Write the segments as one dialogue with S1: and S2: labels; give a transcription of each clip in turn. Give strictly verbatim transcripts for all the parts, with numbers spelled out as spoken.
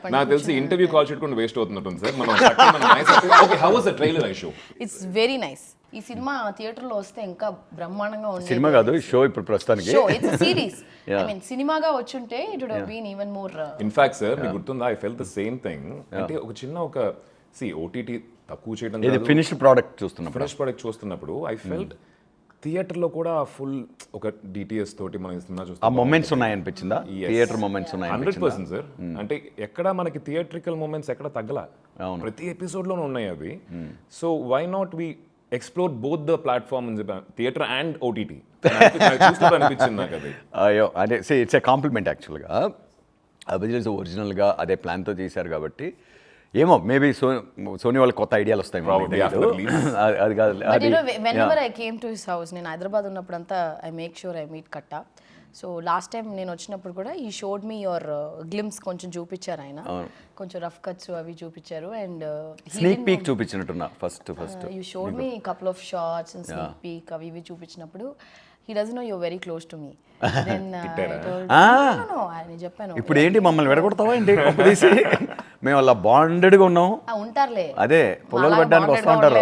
S1: నాకు తెలిసి interview call పెట్టుకుని వేస్ట్ అవుతున్నట్టుంది సార్ మనం okay how was the trailer I show
S2: it's very nice. ఈ సినిమా థియేటర్ లో వస్తే ఇంకా బ్రహ్మాండంగా ఉంది.
S3: సినిమా కాదు షో ఇప్పుడు ప్రస్తుతానికి
S2: show it's series. I mean సినిమాగా వచ్చుంటే it would have been even more.
S1: In fact sir మీకు గుర్తుందా I felt the same thing. అంటే ఒక చిన్న ఒక సి ఓటీటీ తక్కువ చేయడం
S3: ఇది ఫినిష్డ్ ప్రోడక్ట్ చూస్తున్నప్పుడు
S1: ఫినిష్ ప్రోడక్ట్ చూస్తున్నప్పుడు ఐ ఫెల్ట్ థియేటర్లో కూడా ఫుల్ ఒక డిటిఎస్ తోటి మనం సినిమా
S3: ఆ
S1: చూస్తాం
S3: మొమెంట్స్ ఉన్నాయనిపించిందా? థియేటర్ మొమెంట్స్ ఉన్నాయి
S1: హండ్రెడ్ పర్సెంట్ సార్. అంటే ఎక్కడ మనకి థియేట్రికల్ మూమెంట్స్ ఎక్కడ తగ్గల, ప్రతి ఎపిసోడ్లోనే ఉన్నాయి అవి. So why not we explore both the platform theatre and OTT అనిపించింది నాకు అది.
S3: అయ్యో అంటే ఇట్స్ ఏ కాంప్లిమెంట్ యాక్చువల్గా. అభిజిల్స్ ఒరిజినల్గా అదే ప్లాన్తో చేశారు కాబట్టి ఏమో మేబీ సో సోనీ వాళ్ళకి కొత్త ఐడియాలు వస్తాయి. అది కాదు.
S2: But you know whenever I came to his house, నేను హైదరాబాద్ ఉన్నప్పుడంతా I make sure I meet Katta. So last time నేను వచ్చినప్పుడు కూడా ఈ షోడ్ మీ యువర్ గ్లిమ్స్ కొంచెం చూపించారు ఆయన, కొంచెం రఫ్ కట్స్ అవి చూపించారు. అండ్
S3: స్నీక్ పీక్ చూపించినట్టున్నా first first
S2: you showed me couple of shorts and sneak peek అవి ఇవి చూపించినప్పుడు he doesn't know you're very close to me. Then uh, I told no no I చెప్పాను
S3: ఇప్పుడు ఏంటి మమ్మల్ని విడగొడతావా ఏంటి తీసి మేము అలా బాండెడ్గా ఉన్నాం.
S2: ఉంటారులే
S3: అదే పొలాలు పడ్డానికి వస్తూ ఉంటారు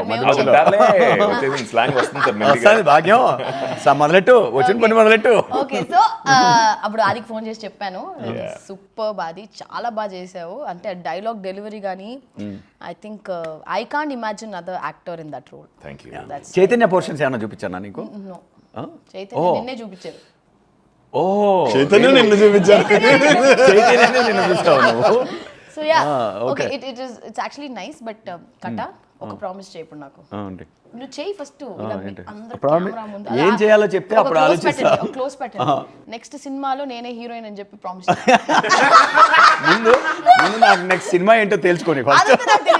S3: భాగ్యం మొదలెట్టు వచ్చిన పని మొదలెట్టు.
S2: ఓకే సో అప్పుడు ఆదికి ఫోన్ చేసి చెప్పాను సూపర్ బాది చాలా బాగా చేసావు అంటే డైలాగ్ డెలివరీ కానీ I think I can't imagine other actor in that role.
S1: Thank you.
S3: Chaitanya portions ఏమన్నా చూపించానా నీకు?
S2: చైతన్య నిన్నే చూపించారు.
S3: ఓ
S4: చైతన్య నిన్ను చూపించారు.
S3: చైతన్య నిన్ను చూస్తావు నువ్వు.
S2: So ya okay it it is it's actually nice. But Katta ఒక ప్రామిస్ చేయి ఇప్పుడు నాకు. నువ్వు చేయి ఫస్ట్
S3: ఏం చేయాలో చెప్తే అప్పుడు ఆలోచిస్తా.
S2: క్లోజ్ పెట్టండి. నెక్స్ట్ సినిమాలో నేనే హీరోయిన్ అని చెప్పి ప్రామిస్.
S3: ముందు ముందు నాకు నెక్స్ట్ సినిమా ఏంటో తెలుసుకొని ఫస్ట్.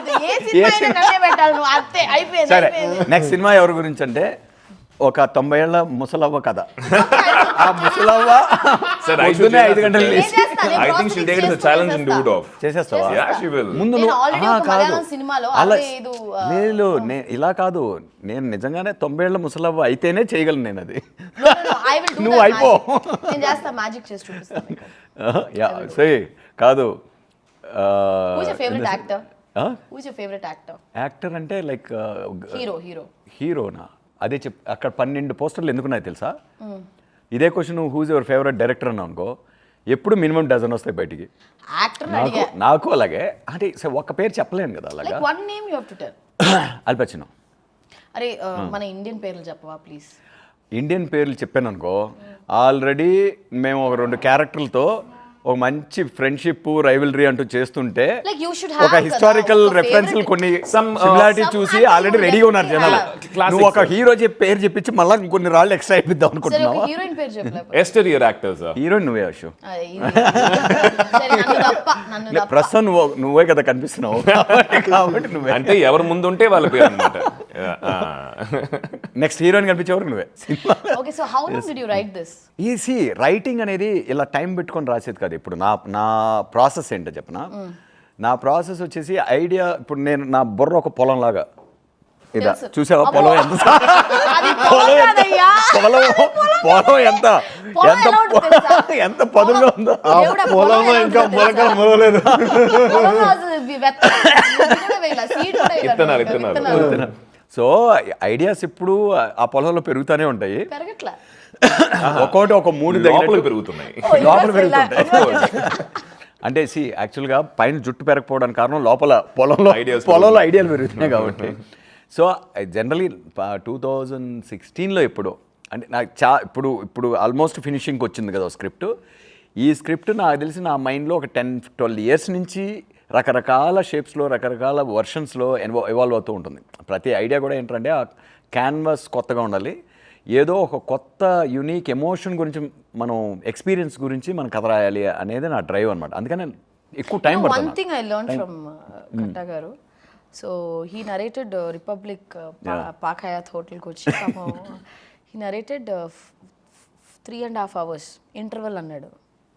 S3: సరే నెక్స్ట్ సినిమా ఎవరి గురించి అంటే ఒక తొంభై ఏళ్ళ ముసలవ్వ కథ. ఆ ముసలవ్వ పొద్దున్నే ఐదు గంటలు చేసేస్తావా? ముందు కాదు అలా లేదు ఇలా కాదు, నేను నిజంగానే తొంభై ఏళ్ళ ముసలవ్వ అయితేనే చేయగలను నేను అది. నువ్వు అయిపో సరే కాదు. యాక్టర్ అంటే లైక్ హీరోనా? అదే చెప్ అక్కడ పన్నెండు పోస్టర్లు ఎందుకున్నాయి తెలుసా? ఇదే క్వశ్చన్ నువ్వు హూజ్ యువర్ ఫేవరెట్ డైరెక్టర్ అన్నావు అనుకో ఎప్పుడు మినిమం డజన్ వస్తాయి బయటికి. నాకు నాకు అలాగే అంటే ఒక్క పేరు చెప్పలేను కదా అలాగా. అల్ పచినో.
S2: అరే మన ఇండియన్ పేర్లు చెప్పవా ప్లీజ్?
S3: ఇండియన్ పేర్లు చెప్పాను అనుకో ఆల్రెడీ మేము ఒక రెండు క్యారెక్టర్లతో ఒక మంచి ఫ్రెండ్షిప్ రైవల్రీ అంటూ చేస్తుంటే ఒక హిస్టారికల్ రెఫరెన్స్ కొన్ని సిమిలారిటీ చూసి ఆల్రెడీ రెడీగా ఉన్నారు జనాలు. నువ్వు ఒక హీరో చెప్పి పేరు చెప్పించి మళ్ళీ కొన్ని రాళ్ళు ఎక్స్ట్రా అయిపోద్దాం అనుకుంటున్నావు. హీరోయిన్ నువ్వే అశు. ప్రస్తుతం నువ్వు నువ్వే కదా కనిపిస్తున్నావు కాబట్టి నువ్వే
S1: అంటే ఎవరు ముందు ఉంటే వాళ్ళ పేరు అన్నమాట.
S3: నెక్స్ట్ హీరోయిన్ కనిపించేవారు నువ్వే. ఈసీ రైటింగ్ అనేది ఇలా టైం పెట్టుకొని రాసేది కాదు. ఇప్పుడు నా నా ప్రాసెస్ ఏంటో చెప్పనా? నా ప్రాసెస్ వచ్చేసి ఐడియా ఇప్పుడు నేను నా బుర్ర ఒక పొలం లాగా ఇదా చూసావా? పొలం ఎంత పొలం పొలం ఎంత ఎంత ఎంత పదులుగా ఉందో
S4: పొలంలో ఇంకా మొలకలు మొలలేదు.
S3: సో ఐడియాస్ ఇప్పుడు ఆ పొలంలో పెరుగుతూనే ఉంటాయి. ఒక్కోటి ఒక మూడు
S1: లోపల పెరుగుతున్నాయి
S3: లోపల పెరుగుతుంటాయి. అంటే సి యాక్చువల్గా పైన జుట్టు పెరగకపోవడానికి కారణం లోపల పొలంలో పొలంలో ఐడియాలు పెరుగుతున్నాయి కాబట్టి. సో జనరలీ టూ థౌజండ్ సిక్స్టీన్లో ఎప్పుడు అంటే నాకు చా ఇప్పుడు ఇప్పుడు ఆల్మోస్ట్ ఫినిషింగ్కి వచ్చింది కదా స్క్రిప్ట్. ఈ స్క్రిప్ట్ నాకు తెలిసి నా మైండ్లో ఒక టెన్ ట్వెల్వ్ ఇయర్స్ నుంచి రకరకాల షేప్స్లో రకరకాల వర్షన్స్లో ఎన్వా ఎవాల్వ్ అవుతూ ఉంటుంది. ప్రతి ఐడియా కూడా ఏంటంటే ఆ క్యాన్వాస్ కొత్తగా ఉండాలి, ఏదో ఒక కొత్త యూనిక్ ఎమోషన్ గురించి మనం ఎక్స్పీరియన్స్ గురించి మనం కథ రాయాలి అనేది నా డ్రైవ్ అనమాట. అందుకని ఎక్కువ టైం పడుతుంది.
S2: One thing I learn from Katta garu. So he narrated Republic Park Hyatt హోటల్కి వచ్చి he narrated three and half hours interval అన్నాడు.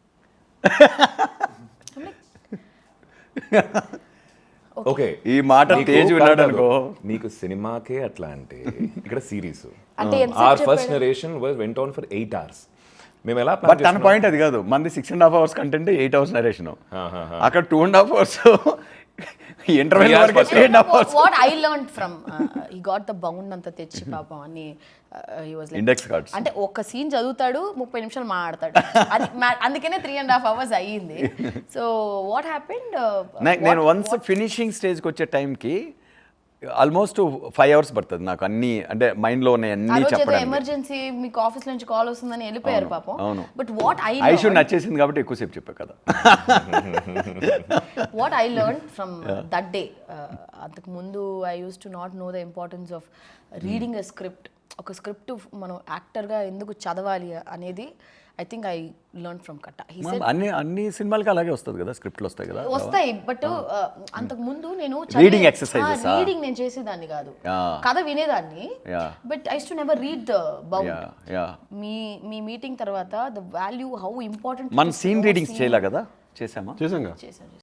S1: ఓకే
S3: ఈ మాట తేజ్ విన్నాడు అనుకో.
S1: నీకు సినిమాకే అట్లా అంటే ఇక్కడ series our first narration was went on for eight hours. మేము ఎలా
S3: బట్ తన పాయింట్ అది కాదు, మంది six and half hours content eight hours narration, అక్కడ two and half hours interval వరకు three and half hours
S2: what I learn from ఈ got the bound అంతా తెచ్చి పాపం అని he was like-
S3: index cards.
S2: అంటే ఒక సీన్ చదువుతాడు ముప్పై నిమిషాలు మాట్లాడతాడు అది మా- అందుకనే త్రీ అండ్ హాఫ్ అవర్స్ అయ్యింది. సో వాట్ హ్యాపెండ్
S3: నేను వన్స్ ఫినిషింగ్ స్టేజ్కి వచ్చే టైంకి ఆల్మోస్ట్ ఫైవ్ అవర్స్ పడుతుంది నాకు అన్ని, అంటే మైండ్లో ఉన్నాయి
S2: ఆ
S3: అన్నీ
S2: రోజు ఏదో
S3: చెప్పడానికి.
S2: ఎమర్జెన్సీ మీకు ఆఫీస్ నుంచి కాల్ వస్తుందని వెళ్ళిపోయారు పాపం.
S3: అవును.
S2: But what I
S3: I should నచ్చేసింది కాబట్టి ఎక్కువసేపు చెప్పా కదా.
S2: What I learn from that day, అంతకు ముందు I use to not know the importance of reading a script. ఒక స్క్రిప్ట్ మనం యాక్టర్గా ఎందుకు చదవాలి అనేది I think I learn from Katta. He said
S3: అన్ని అన్ని సినిమాలకి అలాగే వస్తుంది కదా, స్క్రిప్ట్లు వస్తాయి కదా.
S2: వస్తాయి బట్ అంతకు ముందు నేను
S3: Reading exercises ఆ?
S2: రీడింగ్ నేను చేసేదాన్ని కాదు,
S3: Yeah.
S2: కథ వినేదాన్ని.
S3: Yeah.
S2: But I to never read the bound.
S3: Ya ya
S2: me me meeting తర్వాత ద వాల్యూ హౌ ఇంపార్టెంట్
S3: మన సీన్ రీడింగ్స్ చేయలే కదా, చేసామా?
S4: చేసాంగా
S2: చేశాను.